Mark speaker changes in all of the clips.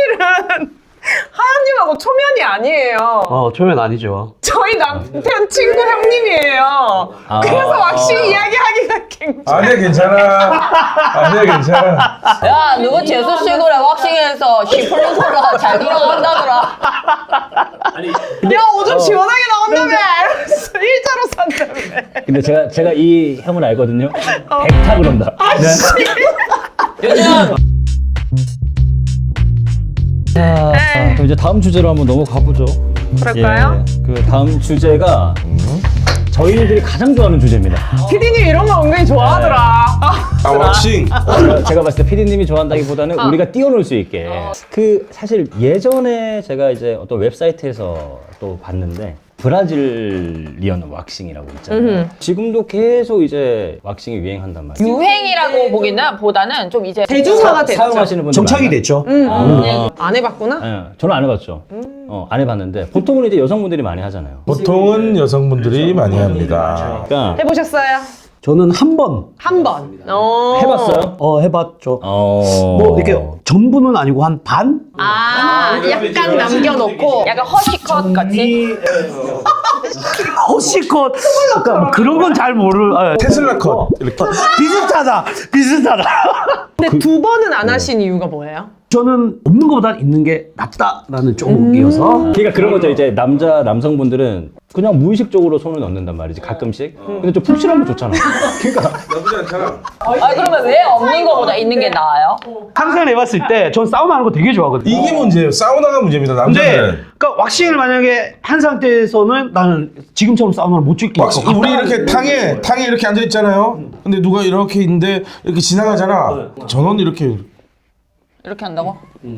Speaker 1: 사실은 하연님하고 초면이 아니에요.
Speaker 2: 초면 아니죠.
Speaker 1: 저희 남편 친구 형님이에요. 그래서 왁싱 이야기하기가 굉장히.
Speaker 3: 아니야 괜찮아. 아니야 괜찮아.
Speaker 4: 야, 누구 재수 씨 그래 왁싱해서 시플링 콜라 잘 들어간다더라.
Speaker 1: 야, 오줌 시원하게 나온다며. 이러면서 일자로 산다며.
Speaker 5: 근데 제가 이 형을 알거든요. 백타 그런다.
Speaker 4: 요즘
Speaker 5: 그럼 이제 다음 주제로 한번 넘어가 보죠.
Speaker 1: 그럴까요?
Speaker 5: 그 다음 주제가 저희들이 가장 좋아하는 주제입니다.
Speaker 1: 피디님 이런 거 은근히 좋아하더라.
Speaker 3: 아 왁싱.
Speaker 5: 제가 봤을 때 피디님이 좋아한다기보다는 우리가 뛰어놀 수 있게. 그 사실 예전에 제가 이제 어떤 웹사이트에서 또 봤는데 브라질리언 왁싱이라고 있잖아요. 지금도 계속 이제 왁싱이 유행한단 말이에요.
Speaker 4: 유행이라고 보다는 좀 이제
Speaker 1: 대중화가 됐죠.
Speaker 5: 사용하시는 분들
Speaker 2: 정착이
Speaker 5: 많아요.
Speaker 2: 됐죠.
Speaker 1: 안 해봤구나?
Speaker 5: 예, 저는 안 해봤죠. 안 해봤는데 보통은 이제 여성분들이 많이 하잖아요.
Speaker 3: 보통은 여성분들이 많이 합니다.
Speaker 5: 그러니까
Speaker 1: 해보셨어요?
Speaker 2: 저는 한 번
Speaker 1: 한 번.
Speaker 5: 해봤어요?
Speaker 2: 해봤죠.
Speaker 5: 뭐
Speaker 2: 뭐 이렇게 전부는 아니고 한 반?
Speaker 1: 아, 약간 남겨놓고.
Speaker 4: 약간 허쉬컷 같이.
Speaker 2: 허시컷. 그러니까 뭐 그런 건 잘 모르.
Speaker 3: 테슬라 컷 이렇게.
Speaker 2: 비슷하다.
Speaker 1: 근데 두 번은 안 하신 이유가 뭐예요?
Speaker 2: 저는 없는 것보다 있는 게 낫다라는 쪽이어서.
Speaker 5: 그러니까 그런 거죠. 이제 남성분들은 그냥 무의식적으로 손을 넣는단 말이지 가끔씩. 근데 좀 푹신하면 좋잖아. 그러니까
Speaker 3: 나쁘지 않잖아.
Speaker 4: 아, 그러면 왜 없는 거보다 있는 게 나아요?
Speaker 2: 항상 해봤을 때 전 사우나 하는 거 되게 좋아하거든요.
Speaker 3: 이게 문제예요. 사우나가 문제입니다.
Speaker 2: 근데
Speaker 3: 남자들은.
Speaker 2: 그러니까 왁싱을 만약에 한 상태에서는 나는 지금처럼 사우나를 못 즐길 것 같아.
Speaker 3: 우리 이렇게 탕에 이렇게 앉아 있잖아요. 근데 누가 이렇게 있는데 이렇게 지나가잖아. 전원 이렇게
Speaker 4: 한다고?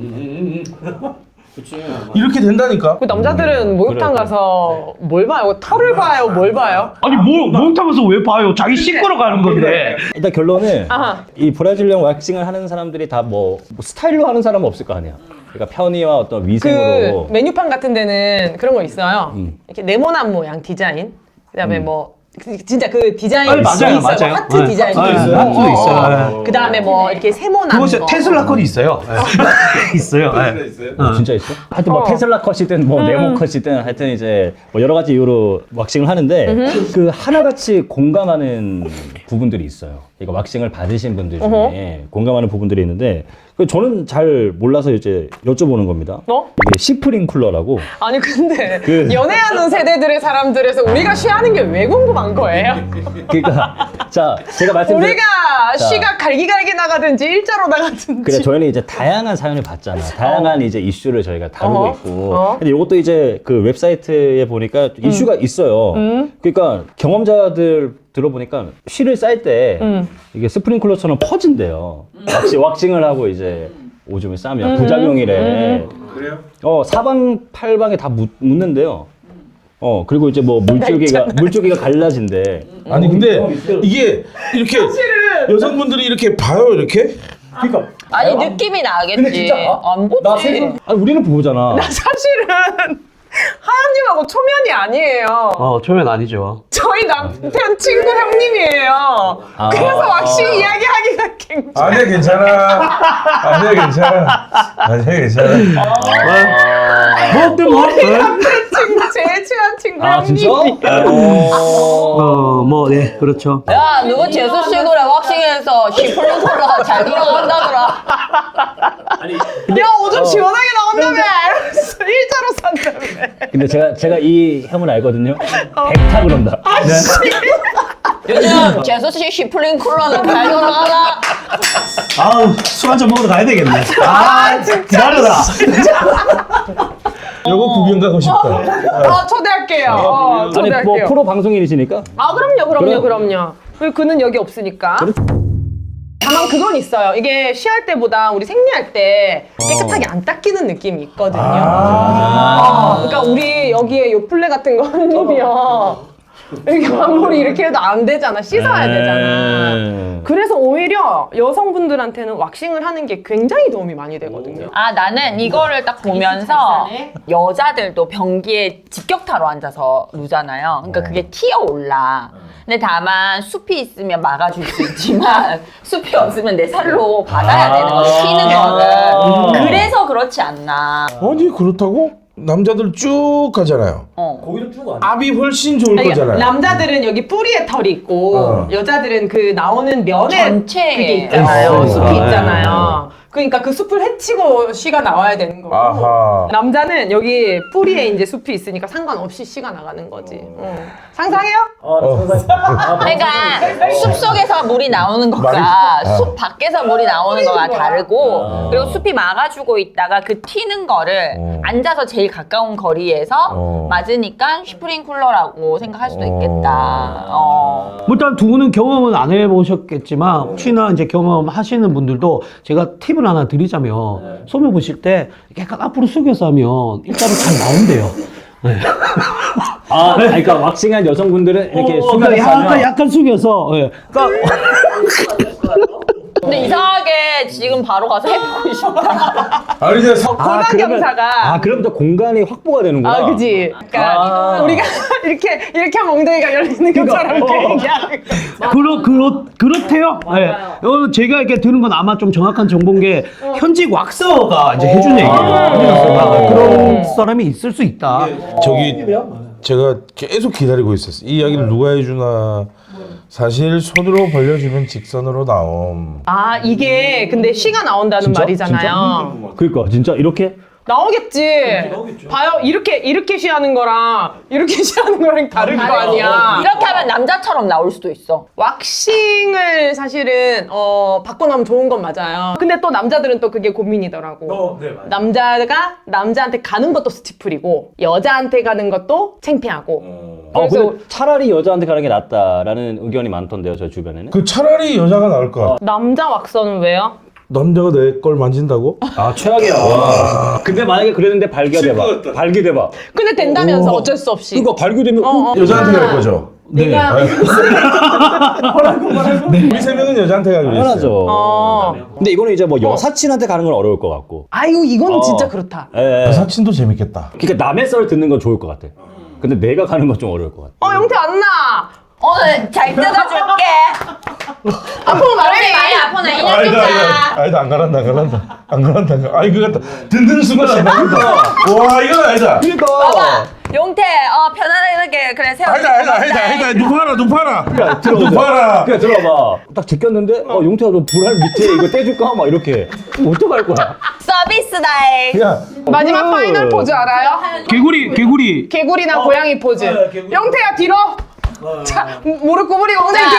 Speaker 3: 이렇게 된다니까.
Speaker 1: 그 남자들은 목욕탕 가서 뭘 봐요? 털을 봐요? 뭘 봐요?
Speaker 2: 아니 뭘 목욕탕에서 왜 봐요? 자기 씻고러 가는 건데.
Speaker 5: 일단 결론은
Speaker 1: 아하.
Speaker 5: 이 브라질리언 왁싱을 하는 사람들이 다 뭐 스타일로 하는 사람은 없을 거 아니야. 그러니까 편의와 어떤
Speaker 1: 그
Speaker 5: 위생으로.
Speaker 1: 메뉴판 같은 데는 그런 거 있어요. 이렇게 네모난 모양 디자인. 그다음에 뭐 진짜 그 디자인
Speaker 2: 아니, 맞아요,
Speaker 1: 있어요.
Speaker 2: 맞아요.
Speaker 1: 하트
Speaker 2: 네.
Speaker 1: 디자인도
Speaker 2: 네,
Speaker 1: 있어요.
Speaker 2: 하트도 있어요.
Speaker 1: 그다음에 뭐 이렇게 세모난
Speaker 2: 그것이
Speaker 1: 거.
Speaker 2: 테슬라 컷이 있어요. 있어요.
Speaker 5: 진짜 있어? 하여튼 뭐 테슬라 컷이든 뭐 네모 컷이든 하여튼 이제 뭐 여러 가지 이유로 왁싱을 하는데 그 하나같이 공감하는 부분들이 있어요. 그러니까 왁싱을 받으신 분들 중에 공감하는 부분들이 있는데 그 저는 잘 몰라서 이제 여쭤보는 겁니다. 이게 시프링쿨러라고.
Speaker 1: 아니 근데 연애하는 세대들의 사람들에서 우리가 쉬하는 게 왜 궁금한 거예요?
Speaker 5: 그러니까 자 제가 말씀드린
Speaker 1: 우리가 쉬가 갈기갈기 나가든지 일자로 나가든지.
Speaker 5: 그래 저희는 이제 다양한 사연을 봤잖아. 다양한 이제 이슈를 저희가 다루고 있고. 근데 이것도 이제 그 웹사이트에 보니까 이슈가 있어요. 그러니까 경험자들 들어보니까 쉬를 쌀 때 이게 스프링클러처럼 퍼진대요. 왁싱을 하고 이제 오줌을 싸면 부작용이래.
Speaker 3: 그래요?
Speaker 5: 사방팔방에 다 묻는데요. 그리고 이제 뭐 물줄기가 갈라진대.
Speaker 3: 아니 근데 이게 이렇게 여성분들이 이렇게 봐요 이렇게?
Speaker 5: 그러니까
Speaker 4: 아니, 느낌이 나겠지.
Speaker 5: 근데 진짜
Speaker 4: 안 보지.
Speaker 5: 아니 우리는 보잖아.
Speaker 1: 나 사실은 하연님하고 초면이 아니에요.
Speaker 2: 초면 아니죠.
Speaker 1: 저희 남편 친구 형님이에요. 그래서 왁싱 이야기하기가 굉장히.
Speaker 3: 아니야 괜찮아. 아니야 괜찮아. 아니야 괜찮아.
Speaker 1: 우리 남편 친구 제일 친한 친구
Speaker 5: 진짜?
Speaker 1: 형님이.
Speaker 2: 네, 그렇죠.
Speaker 4: 야, 누구 재수 씨 그래 왁싱해서 시플링 콜라 잘 들어간다더라.
Speaker 1: 야, 오줌 시원하게 나온다며. 이러면서 일자로 산다며.
Speaker 5: 근데 제가 이 형을 알거든요. 백타 그런다.
Speaker 4: 요즘 재수 씨 시플링 콜라는 잘 들어가나?
Speaker 2: 술 한잔 먹으러 가야 되겠네.
Speaker 1: 진짜.
Speaker 2: 기다려라.
Speaker 3: 요거 구경 가고 싶다.
Speaker 1: 초대할게요.
Speaker 5: 아니 뭐
Speaker 1: 초대할게요.
Speaker 5: 프로 방송인이시니까.
Speaker 1: 그럼요. 그리고 그는 여기 없으니까. 다만 그건 있어요. 이게 쉬할 때보다 우리 생리할 때 깨끗하게 안 닦이는 느낌이 있거든요. 그러니까 우리 여기에 요플레 같은 거 흘리면 이렇게 앞머리 이렇게 해도 안 되잖아. 씻어야 되잖아. 그래서 오히려 여성분들한테는 왁싱을 하는 게 굉장히 도움이 많이 되거든요.
Speaker 4: 아, 나는 이거를 딱 보면서 여자들도 변기에 직격타로 앉아서 누잖아요. 그러니까 그게 튀어 올라. 근데 다만 숲이 있으면 막아줄 수 있지만 숲이 없으면 내 살로 받아야 되는 거지, 튀는 거를. 그래서 그렇지 않나.
Speaker 3: 아니 그렇다고? 남자들 쭉 가잖아요.
Speaker 5: 거기도 쭉 안.
Speaker 3: 압이 훨씬 좋을
Speaker 1: 아니,
Speaker 3: 거잖아요.
Speaker 1: 남자들은 여기 뿌리에 털이 있고 여자들은 그 나오는 면에
Speaker 4: 전체에.
Speaker 1: 그게 있잖아요. 숲이
Speaker 3: 아,
Speaker 1: 있잖아요. 그러니까 그 숲을 헤치고 씨가 나와야 되는 거고
Speaker 3: 아하.
Speaker 1: 남자는 여기 뿌리에 이제 숲이 있으니까 상관없이 씨가 나가는 거지. 상상해요?
Speaker 4: 그러니까 숲 속에서 물이 나오는 것과 숲 밖에서 물이 나오는 거가 다르고 그리고 숲이 막아주고 있다가 그 튀는 거를 앉아서 제일 가까운 거리에서 맞으니까 스프링쿨러라고 생각할 수도 있겠다.
Speaker 2: 뭐 일단 두 분은 경험은 안 해보셨겠지만 혹시나 이제 경험하시는 분들도 제가 팁을 하나 드리자면 소매 보실 때 약간 앞으로 숙여서 하면 일자로 잘 나온대요. 네.
Speaker 5: 아, 그러니까 왁싱한 여성분들은 이렇게 숙여서
Speaker 2: 약간,
Speaker 5: 하면
Speaker 2: 약간 숙여서. 예. 그러니까
Speaker 4: 근데 이상하게 지금 바로 가서 해보고 싶다.
Speaker 3: 아니 이제
Speaker 1: 고난 경사가
Speaker 5: 그럼 또 공간이 확보가 되는구나.
Speaker 1: 아, 그지. 그러니까 우리가 이렇게 하면 엉덩이가 열리는 것처럼 이렇게 얘기하는 거.
Speaker 2: 그렇대요. 예. 제가 이렇게 들은 건 아마 좀 정확한 정보인 게 현직 왁서가 이제 해준 얘기예요. 그런 사람이 있을 수 있다.
Speaker 3: 저기 제가 계속 기다리고 있었어요. 이 이야기를 누가 해주나. 사실 손으로 벌려주면 직선으로 나옴.
Speaker 1: 아, 이게 근데 씨가 나온다는 말이잖아요.
Speaker 5: 그러니까 진짜 이렇게
Speaker 1: 나오겠지. 봐요. 이렇게 쉬하는 거랑 이렇게 쉬하는 거랑 다른 거 아니야.
Speaker 4: 이렇게 하면 남자처럼 나올 수도 있어.
Speaker 1: 왁싱을 사실은 받고 나면 좋은 건 맞아요. 근데 또 남자들은 또 그게 고민이더라고.
Speaker 2: 네, 맞아요.
Speaker 1: 남자가 남자한테 가는 것도 스티플이고 여자한테 가는 것도 창피하고. 그래서
Speaker 5: 근데 차라리 여자한테 가는 게 낫다라는 의견이 많던데요, 저 주변에는.
Speaker 3: 그 차라리 여자가 나을 것 같아.
Speaker 1: 남자 왁서는 왜요?
Speaker 3: 남자가 내 걸 만진다고?
Speaker 5: 아, 최악이야. 근데 만약에 그랬는데 발견돼봐. 발견돼봐.
Speaker 1: 근데 된다면서 어쩔 수 없이.
Speaker 5: 그러니까 발견되면
Speaker 3: 여자한테 갈 거죠?
Speaker 1: 내가
Speaker 3: 우리 세 명은 여자한테 가기로 했어요.
Speaker 5: 당연하죠. 근데 이거는 이제 뭐 여사친한테 가는 건 어려울 것 같고.
Speaker 1: 아이고 이건 진짜 그렇다.
Speaker 5: 예.
Speaker 3: 여사친도 재밌겠다.
Speaker 5: 그러니까 남의 썰 듣는 건 좋을 것 같아. 근데 내가 가는 건 좀 어려울 것 같아.
Speaker 1: 영태 안 나.
Speaker 4: 오늘 잘 뜯어줄게.
Speaker 1: 앞으로 말해.
Speaker 4: 많이 아프네. 인형 뜯자.
Speaker 3: 아니다 안 가란다. 아이 그거 같다. 든든 순간 안 나간다. 와 이건 아니다.
Speaker 4: 봐봐. 용태, 편안하게 그래 세워.
Speaker 3: 아니다. 눕아라.
Speaker 5: 들어봐. 그냥 들어봐. 딱 제꼈는데 용태가 너 불알 밑에 이거 떼줄까? 막 이렇게. 그럼 어떡할 거야?
Speaker 4: 서비스다이.
Speaker 3: 야
Speaker 1: 마지막 파이널 포즈 알아요?
Speaker 2: 개구리.
Speaker 1: 개구리나 고양이 포즈. 영태야 뒤로. 자 무릎 구부리고 엉덩이
Speaker 4: 자,
Speaker 1: 뒤로.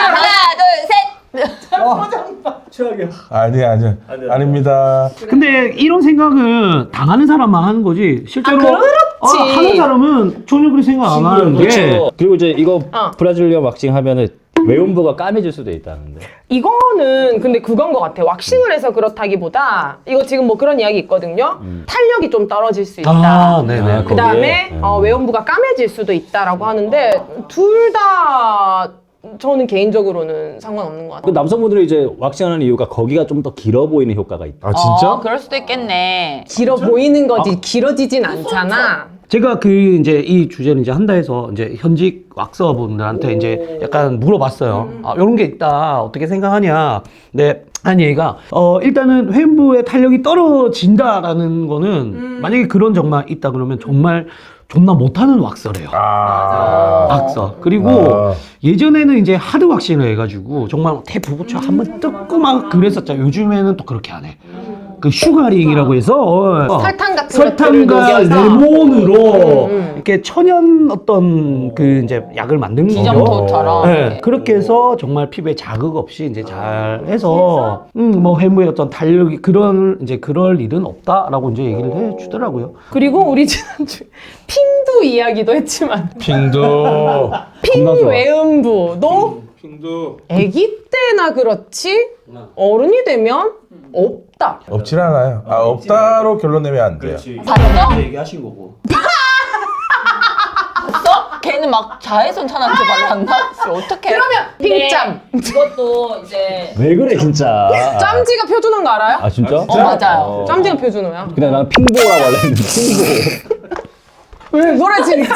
Speaker 4: 하나, 둘, 셋.
Speaker 3: 아니야. 아닙니다.
Speaker 2: 근데 이런 생각은 당하는 사람만 하는 거지. 실제로
Speaker 1: 그렇지.
Speaker 2: 하는 사람은 전혀 그렇게 생각 안 하는 게.
Speaker 5: 그렇죠. 그리고 이제 이거 브라질리언 왁싱 하면은 외음부가 까매질 수도 있다는데.
Speaker 1: 이거는 근데 그건 것 같아. 왁싱을 해서 그렇다기보다 이거 지금 뭐 그런 이야기 있거든요. 탄력이 좀 떨어질 수 있다.
Speaker 2: 아, 네네.
Speaker 5: 아,
Speaker 1: 그 다음에 외음부가 까매질 수도 있다라고 하는데 둘 다 저는 개인적으로는 상관없는 것
Speaker 5: 그
Speaker 1: 같아요.
Speaker 5: 남성분들이 이제 왁싱하는 이유가 거기가 좀 더 길어 보이는 효과가 있다.
Speaker 3: 아 진짜?
Speaker 4: 그럴 수도 있겠네.
Speaker 1: 길어 보이는 거지 길어지진 않잖아.
Speaker 2: 제가 이제 이 주제를 이제 한다 해서 이제 현직 왁서분들한테 이제 약간 물어봤어요. 이런 게 있다. 어떻게 생각하냐. 네. 한 얘기가, 일단은 회음부의 탄력이 떨어진다라는 거는 만약에 그런 정말 있다 그러면 정말 존나 못하는 왁서래요. 왁서. 그리고 예전에는 이제 하드 왁싱을 해가지고 정말 대부부처 한번 뜯고 막 그랬었잖아요. 요즘에는 또 그렇게 안 해. 그 슈가링이라고 해서
Speaker 1: 설탕 같은
Speaker 2: 설탕과
Speaker 1: 것들을 녹여서.
Speaker 2: 레몬으로 이렇게 천연 어떤 그 이제 약을 만든 거죠.
Speaker 4: 기점토처럼.
Speaker 2: 네, 그렇게 해서 정말 피부에 자극 없이 이제 잘 해서 뭐 회무의 어떤 탄력이 그럴 일은 없다라고 이제 얘기를 해주더라고요.
Speaker 1: 그리고 우리 지난주 핑두 이야기도 했지만
Speaker 3: 핑도.
Speaker 1: 핑외음부도
Speaker 3: 핑도.
Speaker 1: 아기 때나 그렇지 어른이 되면 없다.
Speaker 3: 없진 않아요. 없다로 결론 내면 안 돼요.
Speaker 4: 봤어?
Speaker 2: 얘기하신 거고.
Speaker 4: 봤어? 걔 얘는 막 자외선 차단제 발랐나? 어떡해.
Speaker 1: 그러면 핑짬.
Speaker 4: 이것도 이제
Speaker 5: 왜 그래 진짜.
Speaker 1: 짬지가 표준어인 거 알아요?
Speaker 5: 아 진짜?
Speaker 4: 맞아요.
Speaker 1: 짬지가 표준어야.
Speaker 5: 근데 나는 핑보라고 하려 했는데 핑보.
Speaker 1: 왜 그래 진짜.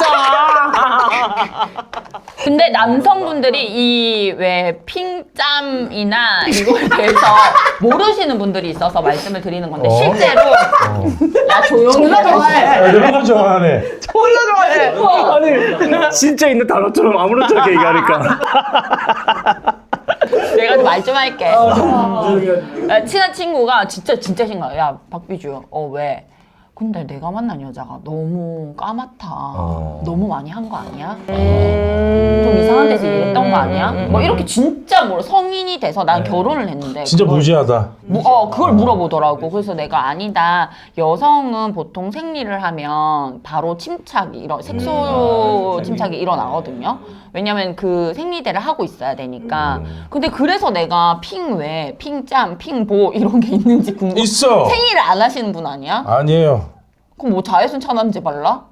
Speaker 4: 근데 남성분들이 이 왜 핑짬이나 이거에 대해서 모르시는 분들이 있어서 말씀을 드리는 건데 실제로 야 조용히
Speaker 1: 존나 좋아해.
Speaker 3: 이런 거 좋아하네.
Speaker 1: 졸라 좋아해.
Speaker 5: 아니 진짜 있는 단어처럼 아무렇지 않게 얘기하니까.
Speaker 4: 내가 좀 말 좀 할게. 친한 친구가 진짜 심각해. 야 박비주 왜? 근데 내가 만난 여자가 너무 까맣다. 너무 많이 한 거 아니야? 좀 이상한 데서 일했던 거 아니야? 뭐 이렇게 진짜 성인이 돼서 난 결혼을 했는데
Speaker 3: 진짜
Speaker 4: 그걸
Speaker 3: 무지하다.
Speaker 4: 그걸 물어보더라고. 그래서 내가 아니다. 여성은 보통 생리를 하면 바로 침착이 색소 침착이 일어나거든요. 왜냐면 그 생리대를 하고 있어야 되니까. 근데 그래서 내가 핑외, 핑짬, 핑보 이런 게 있는지 궁금해.
Speaker 3: 있어.
Speaker 4: 생리를 안 하시는 분 아니야?
Speaker 3: 아니에요.
Speaker 4: 그럼 뭐 자외선 차단제 발라?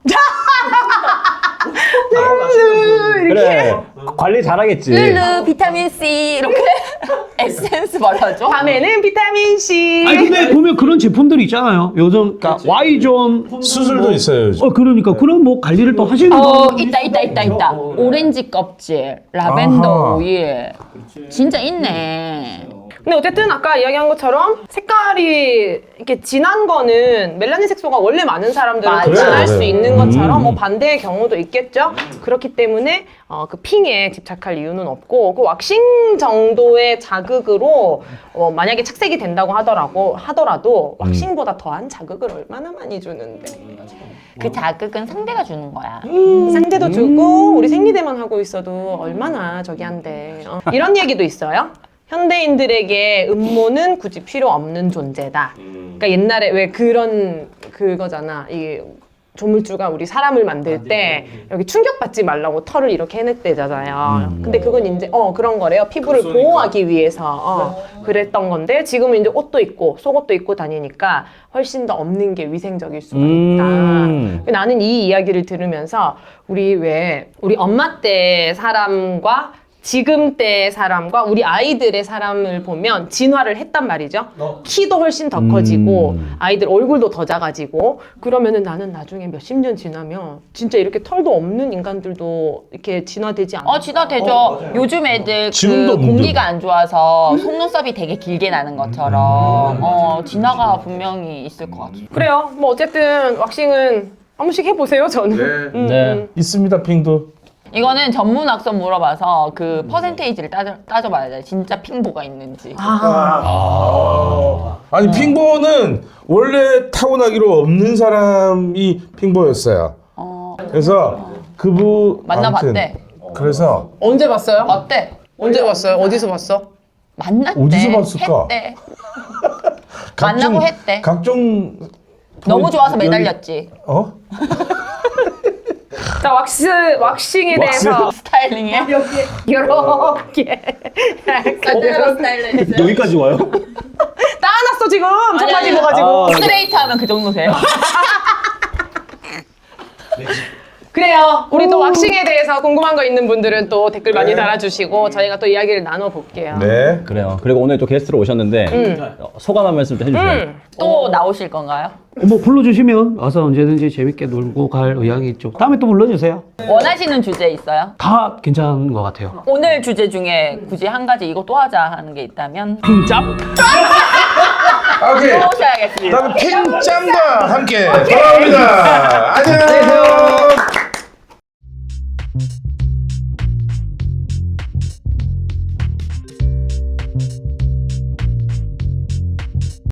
Speaker 5: 그래 관리 잘하겠지.
Speaker 4: 르르 비타민 C 이렇게 에센스 발라줘?
Speaker 1: 밤에는 비타민 C.
Speaker 2: 아니 근데 보면 그런 제품들이 있잖아요. 요즘 그러니까 Y존
Speaker 3: 수술도 있어요 요즘.
Speaker 2: 그러니까 그런 뭐 관리를 또 하시는 분.
Speaker 4: 있다. 오렌지 껍질, 라벤더
Speaker 3: 아하.
Speaker 4: 오일. 진짜 있네.
Speaker 1: 근데 어쨌든 아까 이야기한 것처럼 색깔이 이렇게 진한 거는 멜라닌 색소가 원래 많은 사람들은
Speaker 4: 맞아요.
Speaker 1: 진할 수
Speaker 3: 그래.
Speaker 1: 있는 것처럼 뭐 반대의 경우도 있겠죠. 그렇기 때문에 그 핑에 집착할 이유는 없고 그 왁싱 정도의 자극으로 만약에 착색이 된다고 하더라도 왁싱보다 더한 자극을 얼마나 많이 주는데
Speaker 4: 그 자극은 상대가 주는 거야.
Speaker 1: 상대도 주고 우리 생리대만 하고 있어도 얼마나 저기 한데 이런 얘기도 있어요. 현대인들에게 음모는 굳이 필요 없는 존재다. 그러니까 옛날에 왜 그거잖아. 이 조물주가 우리 사람을 만들 때 여기 충격받지 말라고 털을 이렇게 해냈대잖아요. 근데 그건 이제 그런 거래요. 피부를 보호하기 위해서 그랬던 건데 지금은 이제 옷도 입고 속옷도 입고 다니니까 훨씬 더 없는 게 위생적일 수가 있다. 나는 이 이야기를 들으면서 우리 엄마 때 사람과 지금 때 사람과 우리 아이들의 사람을 보면 진화를 했단 말이죠. 키도 훨씬 더 커지고 아이들 얼굴도 더 작아지고 그러면은 나는 나중에 몇십 년 지나면 진짜 이렇게 털도 없는 인간들도 이렇게 진화되지 않나?
Speaker 4: 진화되죠. 요즘 애들
Speaker 3: 지금도
Speaker 4: 그 공기가 안 좋아서 속눈썹이 되게 길게 나는 것처럼 진화가 분명히 있을 것 같아요.
Speaker 1: 그래요. 뭐 어쨌든 왁싱은 한 번씩 해보세요. 저는.
Speaker 5: 네.
Speaker 3: 있습니다 핑도.
Speaker 4: 이거는 전문 학습 물어봐서 그 퍼센테이지를 따져봐야 돼. 진짜 핑보가 있는지.
Speaker 3: 아니 핑보는 원래 타고나기로 없는 사람이 핑보였어요. 그래서 그분
Speaker 4: 만나봤대.
Speaker 3: 그래서
Speaker 1: 언제 봤어요?
Speaker 4: 어때?
Speaker 1: 언제 봤어요? 어디서 봤어?
Speaker 4: 만났대.
Speaker 3: 어디서 봤을까?
Speaker 4: 했대. 만나고 했대.
Speaker 3: 각종
Speaker 4: 너무 좋아서
Speaker 3: 여기-
Speaker 4: 매달렸지.
Speaker 1: 자, 왁싱에 대해서
Speaker 4: 스타일링에.
Speaker 1: 이렇게
Speaker 4: 스타일링.
Speaker 5: 여기까지 와요?
Speaker 1: 따놨어 지금 청바지 입어가지고.
Speaker 4: 스트레이트 하면 그 정도세요.
Speaker 1: 그래요. 우리 또 왁싱에 대해서 궁금한 거 있는 분들은 또 댓글 많이 달아주시고 저희가 또 이야기를 나눠볼게요.
Speaker 3: 네.
Speaker 5: 그래요. 그리고 오늘 또 게스트로 오셨는데 소감 한 말씀 좀 해주세요.
Speaker 4: 또 나오실 건가요?
Speaker 2: 뭐 불러주시면 와서 언제든지 재밌게 놀고 갈 의향이 있죠. 다음에 또 불러주세요.
Speaker 4: 원하시는 주제 있어요?
Speaker 2: 다 괜찮은 것 같아요.
Speaker 4: 오늘 주제 중에 굳이 한 가지 이거 또 하자 하는 게 있다면
Speaker 2: 핑짭?
Speaker 3: 오케이.
Speaker 4: 또 오셔야겠습니다.
Speaker 3: 다음 핑짱과 함께 돌아옵니다. 안녕.